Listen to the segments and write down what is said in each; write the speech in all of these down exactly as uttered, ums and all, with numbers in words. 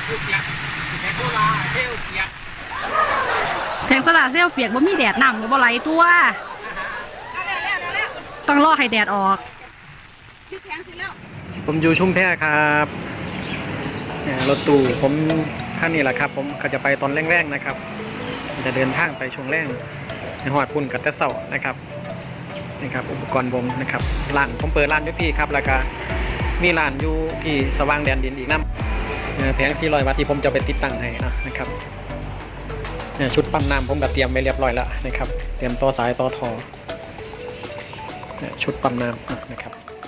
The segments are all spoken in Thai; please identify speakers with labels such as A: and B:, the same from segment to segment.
A: แผงโซล่าเซลล์เปียกบ่มีแดดน้ำหรือบ่ไหลตัวต้องรอให้แดดออก
B: ผมอยู่ชุมแพครับรถตู้ผมท่านนี้แหละครับผมก็จะไปตอนแรกๆนะครับจะเดินทางไปช่วงแรกในหอดพุ่นกับแต่เสานะครับนี่ครับอุปกรณ์ผมนะครับร้านผมเปิดร้านด้วยพี่ครับแล้วก็มีร้านอยู่ที่สว่างแดนดินอีกน้ำแผงสี่ร้อยวัตต์ที่ผมจะไปติดตั้งให้นะครับชุดปั๊มน้ำผมก็เตรียมไว้เรียบร้อยแล้วนะครับเตรียมต่อสายต่อท่อชุดปั๊มน้ำนะครับ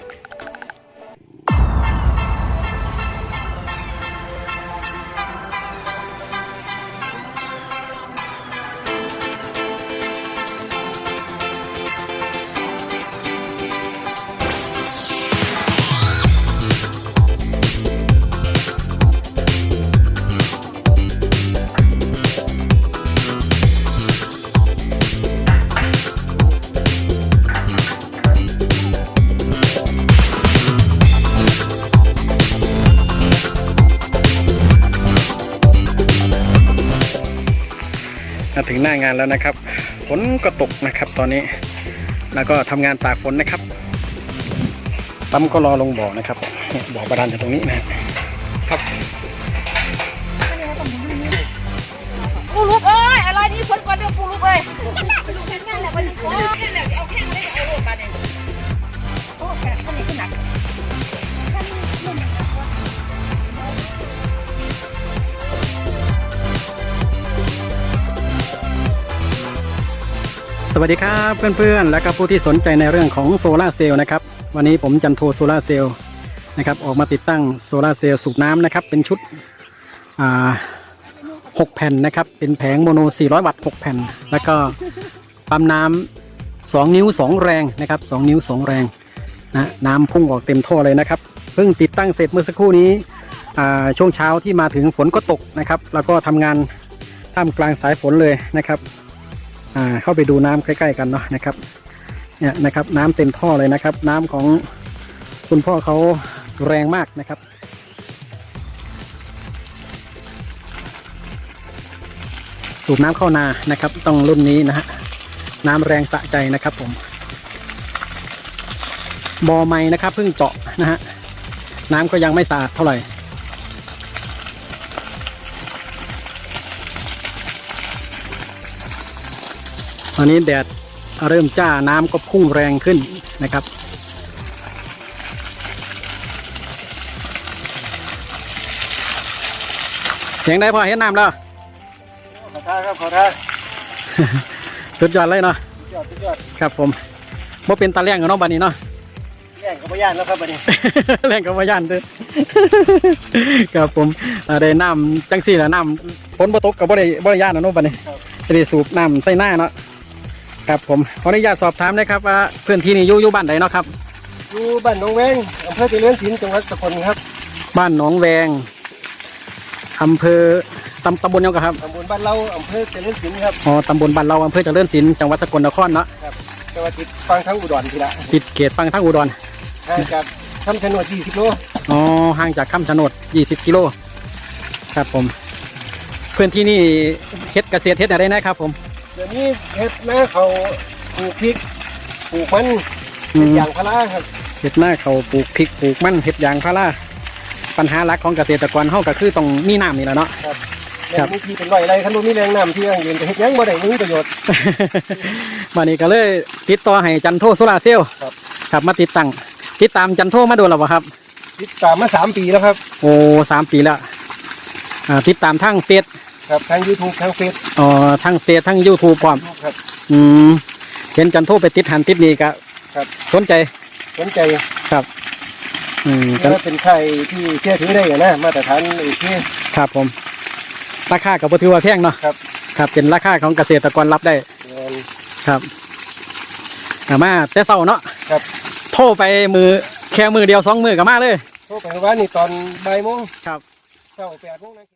B: ถึงหน้างานแล้วนะครับฝนก็ตกนะครับตอนนี้แล้วก็ทำงานตากฝนนะครับปั๊มก็รอลงบ่อนะครับบ่อบาดาลอยู่ตรงนี้นะครับ
C: ปูลูกเอ้ยอะไรนี่ฝนก่อนเดี๋ยวปูลูกเอ้ยปูลูกแค่นั้นแหละวันนี้โอ้แค่แหละเอาแค่ไม่ได้เอาโลดมาเนี่ยโอ้แค่คนนี้ขึ้นหนัก
B: สวัสดีครับเพื่อนๆและก็ผู้ที่สนใจในเรื่องของโซลาร์เซลล์นะครับวันนี้ผมจันโทโซลาร์เซลล์นะครับออกมาติดตั้งโซลาร์เซลล์สูบน้ำนะครับเป็นชุดหกแผ่นนะครับเป็นแผงโมโนสี่ร้อยวัตต์หกแผ่นแล้วก็ปั๊มน้ำสองนิ้วสองแรงนะครับสองนิ้วสองแรงนะน้ำพุ่งออกเต็มท่อเลยนะครับเพิ่งติดตั้งเสร็จเมื่อสักครู่นี้ช่วงเช้าที่มาถึงฝนก็ตกนะครับแล้วก็ทำงานท่ามกลางสายฝนเลยนะครับเข้าไปดูน้ำใกล้ๆกันเนาะนะครับเนี่ยนะครับน้ำเต็มท่อเลยนะครับน้ำของคุณพ่อเขาแรงมากนะครับสูบน้ำเข้านานะครับต้องรุ่นนี้นะฮะน้ำแรงสะใจนะครับผมบ่อใหม่นะครับเพิ่งเจาะนะฮะน้ำก็ยังไม่สะอาดเท่าไหร่ตอนนี้แดดเริ่มจ้าน้ำก็พุ่งแรงขึ้นนะครับเสียงได้พอเห็นน้ำแล้ว
D: ขอท่าครับขอท่า
B: สุดยอดเลยเนาะ
D: สุดยอดสุดยอด
B: ครับผมบ่เป็นตาเลี้ยงกับน้องบันนี้เนาะ
D: เลี้ยงกับพยานแล้วครับบันนี้
B: เลี้ยงกับพยานด้วยครับผมได้น้ำจังสี่ละน้ำฝนบ่ตกกับบ่ได้บ่ได้ย่านนะน้องบันนี้จะได้สูบน้ำใส่หน้าเนาะครับผมขออนุญาตสอบถามนะครับว่าเพื่อนที่นี่อยู่อยู่บ้านไหนเนาะครับ
D: อยู่บ้านหนองแวงอำเภอเจริญศิลป์จังหวัดสกลครับ
B: บ้านหนองแวงอำเภอตำตำบลยังครับ
D: ตำบลบ้านเราอำเภอเจริญศิลป์ครับ
B: อ๋อตำบลบ้านเราอำเภอเจริญศิลป์จังหวัดสกลนครเนาะ
D: ครับจังหวัดติดฟังทั้งอุดรทีละ
B: ติดเขตฟังทั้งอุดร
D: ห่างจากคำชะโนดยี่สิบโล
B: อ๋อห่างจากคำชะโนดยี่สิบกิโลครับผมเพื่อนที่นี่เฮ็ดเกษตรเฮ็ดอะไรนะครับผม
D: เดี๋ยวนี้เฮ็ดหน้าเขาปลูกพริกปลูกมันเฮ็ดยางพาราครับ
B: เฮ็ดหน้าเขาปลูกพริกปลูกมันเฮ็ดยางพาราปัญหาหลักของเกษตรกรเฮาก็คือต้องมีน้ำนี่แหละเนาะ
D: ครับครับมีที่เป็นไรอะไรคันบ่มีแรงน้ำที่ยังยืนจะเฮ็ดยังบ่ได้มีประโยชน์
B: มานี่ก็เลยติดต่อให้จันโทโซลาร์เซลล์
D: ครับ
B: ครับมาติดตั้งติดตามจันโทมาโดนแล้วบ่ครับ
D: ติดตามมาสามปีแล้วครับ
B: โอ้สามปีแล้วอ่าติดตามทั้งเฟซ
D: ครับทั้ง YouTube ทั้งเฟซ
B: อ๋อทั้งเฟซทั้ง YouTube พร้อม
D: ครับ
B: อืมเห็นจันโทไปติดหันติดนี่ก็
D: ครับ
B: สนใจ
D: สนใจ
B: ครับอืม
D: ก็เป็นไข่ที่เชื่อถือได้นะมาตรฐานโอเค
B: ครับผมราคากับถือว่าแพงเนาะ
D: ครับ
B: ครับเป็นราคาของเกษตรกรรับได้ครับมาแต่เช้าเนาะ
D: ครับ
B: โทรไปมือแค่มือเดียวสองมือกับมาเลย
D: โทรไปว่านี่ตอนบ่ายโมง
B: ครับ
D: เช้าแปดโมง